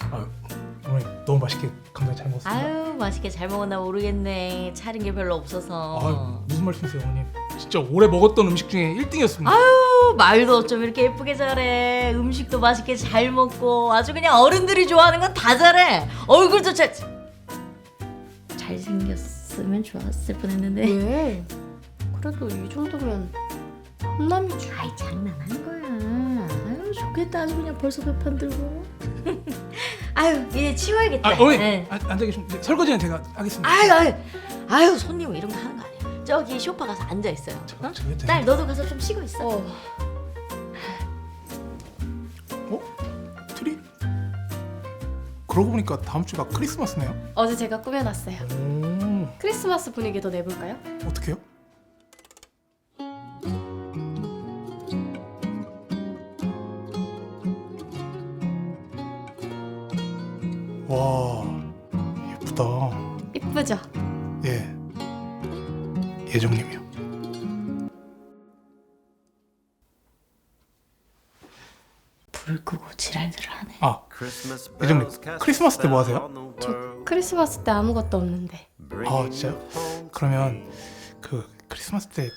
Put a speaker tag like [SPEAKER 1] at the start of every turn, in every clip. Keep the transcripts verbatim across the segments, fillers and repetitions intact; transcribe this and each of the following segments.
[SPEAKER 1] 아, 어머니 너무 맛있게 감사히 잘 먹었습니다.
[SPEAKER 2] 아유 맛있게 잘 먹었나 모르겠네. 차린 게 별로 없어서.
[SPEAKER 1] 아, 무슨 말씀이세요, 어머님? 진짜 올해 먹었던 음식 중에 일 등이었습니다.
[SPEAKER 2] 아유 말도 어쩜 이렇게 예쁘게 잘해. 음식도 맛있게 잘 먹고 아주 그냥 어른들이 좋아하는 건 다 잘해. 얼굴도 잘 잘생겼으면 좋았을 뻔했는데.
[SPEAKER 3] 왜? 그래도 이 정도면 혼남이지.
[SPEAKER 2] 아이 장난하는 거야. 아유 좋겠다. 아주 그냥 벌써 배판 들고. 아유 이제 치워야겠다.
[SPEAKER 1] 아, 어머니
[SPEAKER 2] 네.
[SPEAKER 1] 아, 앉아 계시면 네, 설거지는 제가 하겠습니다.
[SPEAKER 2] 아유 아유 아유 손님 이런 거 하는 거 아니야. 저기 소파 가서 앉아 있어요.
[SPEAKER 1] 저,
[SPEAKER 2] 어?
[SPEAKER 1] 저 왜
[SPEAKER 2] 딸 너도 가서 좀 쉬고 있어.
[SPEAKER 3] 어.
[SPEAKER 1] 어? 트리? 그러고 보니까 다음 주가 크리스마스네요.
[SPEAKER 3] 어제 제가 꾸며놨어요.
[SPEAKER 1] 오,
[SPEAKER 3] 크리스마스 분위기 더 내볼까요?
[SPEAKER 1] 어떻게요? 와, 예쁘다.
[SPEAKER 3] 이쁘죠?
[SPEAKER 1] 예, 예정님이요.
[SPEAKER 2] 불 끄고 지랄들을 하네.
[SPEAKER 1] 아, 예정님 크리스마스 때 뭐 하세요?
[SPEAKER 3] 저 크리스마스 때 아무것도 없는데.
[SPEAKER 1] 아, 진짜요? 그러면 그 크리스마스 때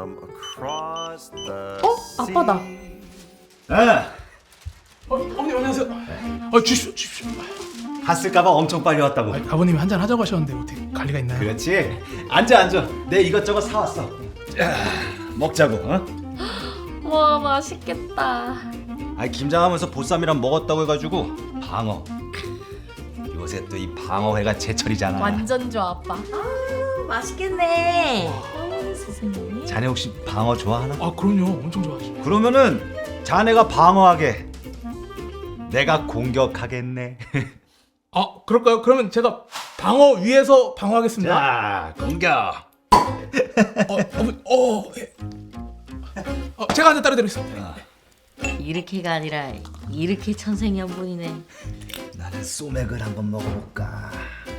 [SPEAKER 3] 어? 아빠다.
[SPEAKER 4] 아,
[SPEAKER 1] 어, 어머니 안녕하세요. 어, 주십시오, 주십시오.
[SPEAKER 4] 갔을까봐 엄청 빨리 왔다고.
[SPEAKER 1] 아, 아버님이 한잔 하자고 하셨는데 어떻게 관리가 있나요?
[SPEAKER 4] 그렇지. 앉아 앉아. 내 이것저것 사왔어. 자, 먹자고. 어?
[SPEAKER 3] 와 맛있겠다.
[SPEAKER 4] 아니 김장하면서 보쌈이랑 먹었다고 해가지고 방어. 요새 또 이 방어회가 제철이잖아.
[SPEAKER 3] 완전 좋아 아빠.
[SPEAKER 2] 아유 맛있겠네. 어 세상에.
[SPEAKER 4] 자네 혹시 방어 좋아하나?
[SPEAKER 1] 아, 그럼요. 엄청 좋아하죠.
[SPEAKER 4] 그러면은 자네가 방어하게. 내가 공격하겠네.
[SPEAKER 1] 아, 그럴까요? 그러면 제가 방어 위에서 방어하겠습니다.
[SPEAKER 4] 자, 공격.
[SPEAKER 1] 어, 어머니, 어, 예. 어, 제가 한잔 따라드리겠습니다.
[SPEAKER 2] 이렇게가 아니라 이렇게 천생연분이네.
[SPEAKER 4] 나는 소맥을 한번 먹어볼까.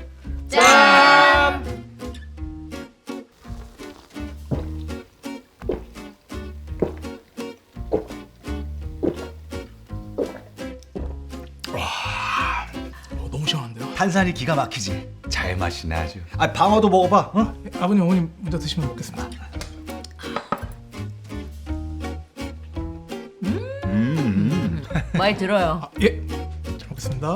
[SPEAKER 3] 짠.
[SPEAKER 1] 어, 너무 시원한데요?
[SPEAKER 4] 탄산이 기가 막히지. 잘 마시네 아주. 아 방어도 먹어봐. 어?
[SPEAKER 1] 예, 아버님, 어머님 먼저 드시면 먹겠습니다.
[SPEAKER 4] 음.
[SPEAKER 2] 많이 들어요.
[SPEAKER 1] 아, 예, 잘 먹겠습니다.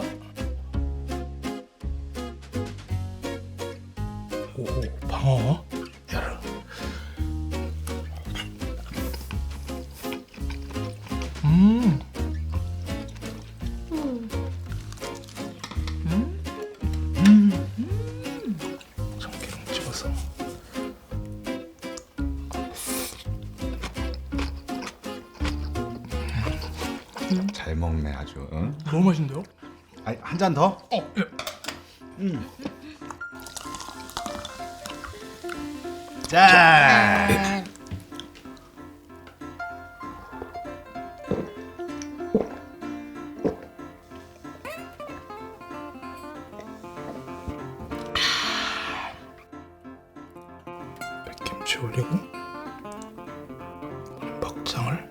[SPEAKER 1] 오, 오, 방어. 야르. 음. 참기름 찍어서.
[SPEAKER 4] 잘 먹네 아주. 응?
[SPEAKER 1] 너무 맛있는데요?
[SPEAKER 4] 아니 한 잔 더?
[SPEAKER 1] 어, 예.
[SPEAKER 4] 자.
[SPEAKER 1] 백김치 올리고 박장을.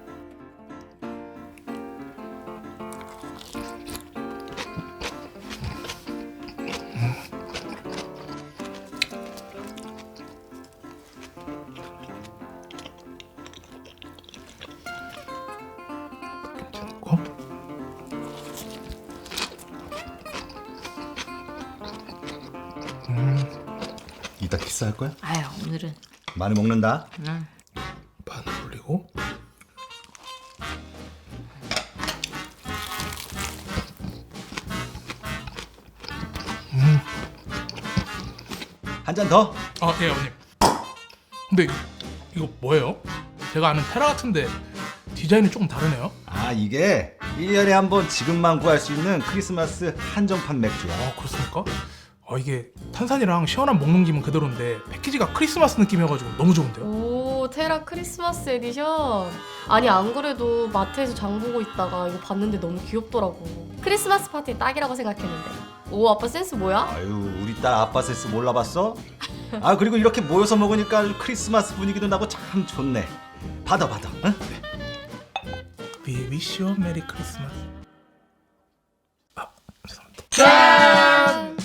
[SPEAKER 1] 김치 넣고.
[SPEAKER 4] 이따 키스할 거야?
[SPEAKER 2] 아유 오늘은
[SPEAKER 4] 많이 먹는다.
[SPEAKER 2] 응.
[SPEAKER 1] 마늘 올리고.
[SPEAKER 4] 한 잔 더?
[SPEAKER 1] 아, 예, 어머님. 근데 이거 뭐예요? 제가 아는 테라 같은데 디자인이 조금 다르네요.
[SPEAKER 4] 아 이게 일 년에 한 번 지금만 구할 수 있는 크리스마스 한정판 맥주야.
[SPEAKER 1] 아, 그렇습니까? 아, 이게 탄산이랑 시원한 먹는 기분 그대로인데 패키지가 크리스마스 느낌이어가지고 너무 좋은데요?
[SPEAKER 3] 오 테라 크리스마스 에디션. 아니 안 그래도 마트에서 장 보고 있다가 이거 봤는데 너무 귀엽더라고. 크리스마스 파티 딱이라고 생각했는데. 오 아빠 센스 뭐야?
[SPEAKER 4] 아유 우리 딸 아빠 센스 몰라봤어? 아 그리고 이렇게 모여서 먹으니까 아주 크리스마스 분위기도 나고 참 좋네. 받아 받아. 응?
[SPEAKER 1] We wish you a merry Christmas. 아, 죄송합니다.
[SPEAKER 3] 짠!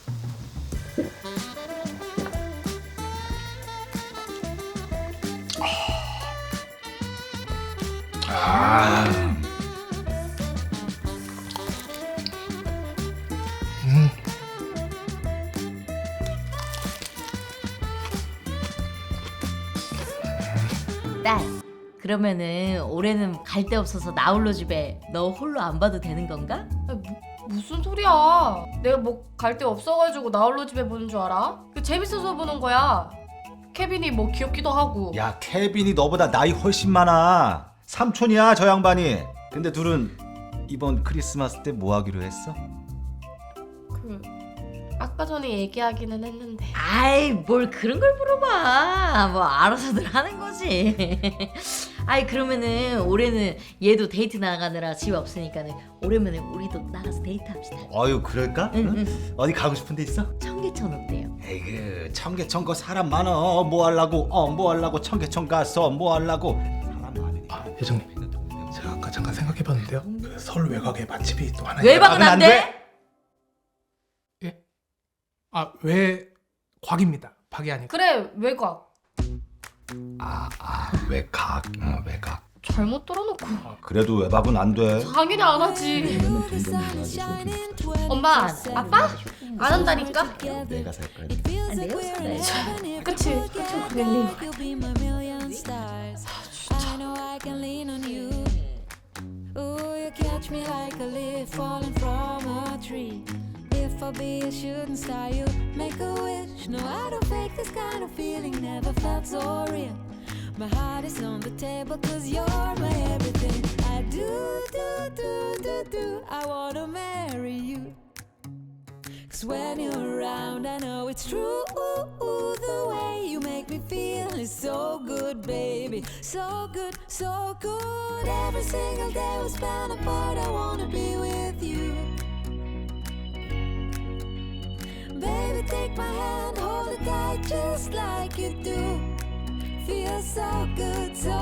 [SPEAKER 2] 딸, 그러면은 올해는 갈 데 없어서 나 홀로 집에 너 홀로 안 봐도 되는 건가?
[SPEAKER 3] 아니, 뭐, 무슨 소리야? 내가 뭐 갈 데 없어가지고 나 홀로 집에 보는 줄 알아? 그 재밌어서 보는 거야. 케빈이 뭐 귀엽기도 하고.
[SPEAKER 4] 야, 케빈이 너보다 나이 훨씬 많아. 삼촌이야, 저 양반이. 근데 둘은 이번 크리스마스 때 뭐 하기로 했어?
[SPEAKER 3] 그 아까 전에 얘기하기는 했는데.
[SPEAKER 2] 아이, 뭘 그런 걸 물어봐. 뭐 알아서들 하는 거지. 아이, 그러면은 올해는 얘도 데이트 나가느라 집 없으니까는 오랜만에 우리도 나가서 데이트합시다.
[SPEAKER 4] 어유, 그럴까?
[SPEAKER 2] 응,
[SPEAKER 4] 응?
[SPEAKER 2] 응.
[SPEAKER 4] 어디 가고 싶은 데 있어?
[SPEAKER 2] 청계천 어때요?
[SPEAKER 4] 에이그, 청계천 거 사람 많어. 뭐 하려고? 어, 뭐 하려고? 청계천 가서 뭐 하려고? 사람 많으니까.
[SPEAKER 1] 아, 회장님. 제가 아까 잠깐 생각해봤는데요. 그 설 외곽에 맛집이 또 하나
[SPEAKER 2] 외박은
[SPEAKER 4] 안
[SPEAKER 2] 안
[SPEAKER 4] 돼?
[SPEAKER 2] 돼?
[SPEAKER 1] 예? 아, 외곽입니다. 박이 아니고.
[SPEAKER 3] 그래 외곽.
[SPEAKER 4] 아, 아, 외곽. 어, 외곽.
[SPEAKER 3] 잘못 들어놓고.
[SPEAKER 4] 그래도 외박은 안 돼.
[SPEAKER 3] 당연히 안 하지. 엄마, 아빠? 안 한다니까?
[SPEAKER 4] 내가 살 거야.
[SPEAKER 2] 아, 내가 살아야지.
[SPEAKER 3] 그치, 그치, 고객님.
[SPEAKER 5] Ooh, you catch me like a leaf falling from a tree. If I be a shooting star, you make a wish. No, I don't fake this kind of feeling, never felt so real. My heart is on the table, cause you're my everything. I do, do, do, do, do, I wanna marry you. Cause when you're around, I know it's true. Ooh, ooh, the way you make me feel is so good, baby. So good, so good. Every single day we spend apart, I wanna be with you. Baby, take my hand, hold it tight just like you do. Feels so good, so